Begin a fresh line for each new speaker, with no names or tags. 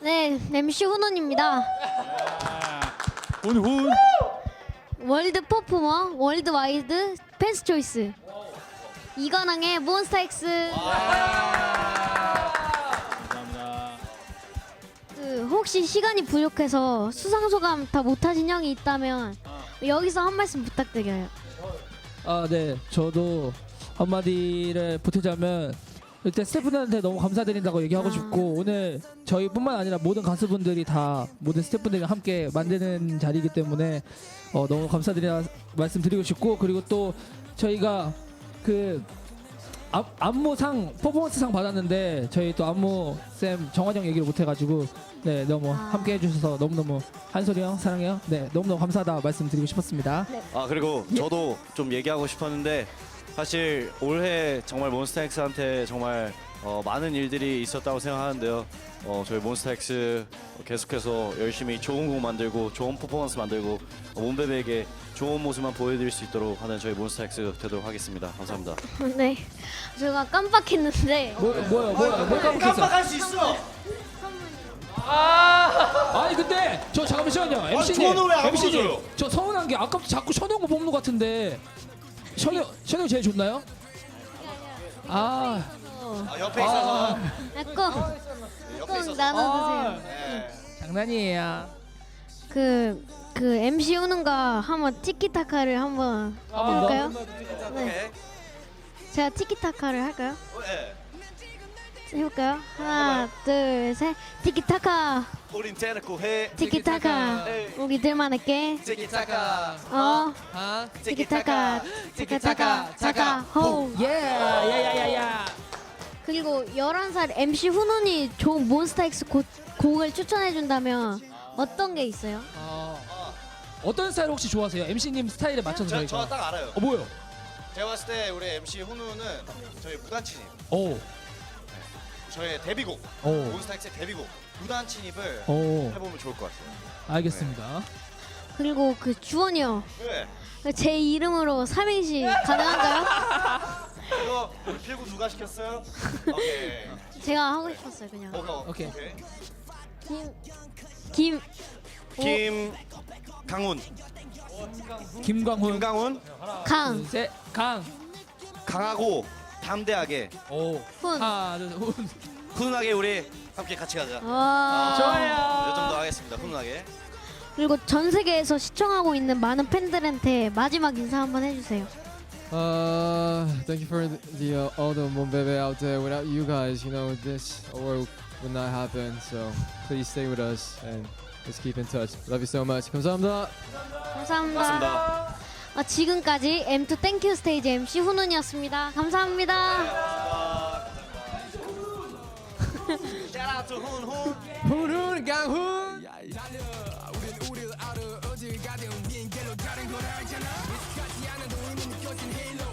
네, MC 훈훈입니다.
훈훈.
월드 퍼포머, 월드와이드 펜스 초이스. 이관왕의 몬스타엑스.
감사합니다.
혹시 시간이 부족해서 수상 소감 다 못하신 형이 있다면 여기서 한 말씀 부탁드려요.
네. 저도 한마디를 보태자면 일단 스태프분들한테 너무 감사드린다고 얘기하고 싶고, 오늘 저희뿐만 아니라 모든 가수분들이 다 모든 스태프분들과 함께 만드는 자리이기 때문에 너무 감사드리다 말씀드리고 싶고, 그리고 또 저희가 그 안무상 퍼포먼스상 받았는데 저희 또 안무 쌤 정환영 얘기를 못 해가지고 네, 너무 함께 해주셔서 너무너무 한솔이 형 사랑해요. 네, 너무너무 감사하다 말씀드리고 싶었습니다.
그리고 저도 좀 얘기하고 싶었는데, 사실 올해 정말 몬스타엑스한테 정말 많은 일들이 있었다고 생각하는데요. 저희 몬스타엑스 계속해서 열심히 좋은 곡 만들고 좋은 퍼포먼스 만들고 몬베베에게 좋은 모습만 보여드릴 수 있도록 하는 저희 몬스타엑스 되도록 하겠습니다. 감사합니다.
네, 제가 깜빡했는데
뭐야 깜빡했어.
깜빡할 수 있어.
아니 근데 저 잠깐만요. MC님,
저는 왜안
MC님,
불러줘요?
저 서운한 게 아까부터 자꾸 션우 형 뽑는 것 같은데 션우 제일 좋나요?
옆에 있어서.
꼭 나눠주세요.
장난이에요.
그 MC 훈훈과 한번 티키타카를 한번 해볼까요? 네, 제가 티키타카를 할까요? 해볼까요? 하나, 둘, 셋. 티키타카,
우린 대놓고 해.
티키타카. 우리들만 할게.
티키타카.
티키타카, 티키타카, 타카, 호.
야야야야야.
그리고 11살 MC 훈훈이 좋은 몬스타엑스 곡을 추천해준다면 어떤 게 있어요?
어떤 스타일 혹시 좋아하세요? MC님 스타일에 맞춰서 저희가.
저 딱 알아요.
뭐요?
제가 봤을 때 우리 MC 훈우는 저희 무단침입,
오.
저의 데뷔곡,
오.
몬스타엑스의 데뷔곡 무단침입을
오.
해보면 좋을 것 같아요.
알겠습니다.
그리고 그 주원이 형,
왜?
제 이름으로 삼행시 가능한가요?
이거 필구 누가 시켰어요? 오케이.
제가 하고 싶었어요, 그냥.
오케이.
김
김강훈.
김광훈.
김강훈.
강,
둘, 셋. 강.
강하고 담대하게
오.
훈.
하나, 둘, 셋. 훈.
훈훈하게 우리 함께 같이 가자.
와.
좋아요.
이 정도 하겠습니다. 훈훈하게.
그리고 전 세계에서 시청하고 있는 많은 팬들한테 마지막 인사 한번 해주세요.
Thank you for all the Monbebe out there. Without you guys, this award would not happen. So please stay with us and let's keep in touch. Love you so much. 감사합니다.
감사합니다.
고맙습니다.
지금까지 M2 땡큐 스테이지 MC 훈훈이었습니다. 감사합니다.
Shout out to 훈훈.
훈훈 강훈.
우린 우리를 알아 어딜 가든 빈 길로 가는 걸 알잖아. 같이 하는 우리는 켜진 힐러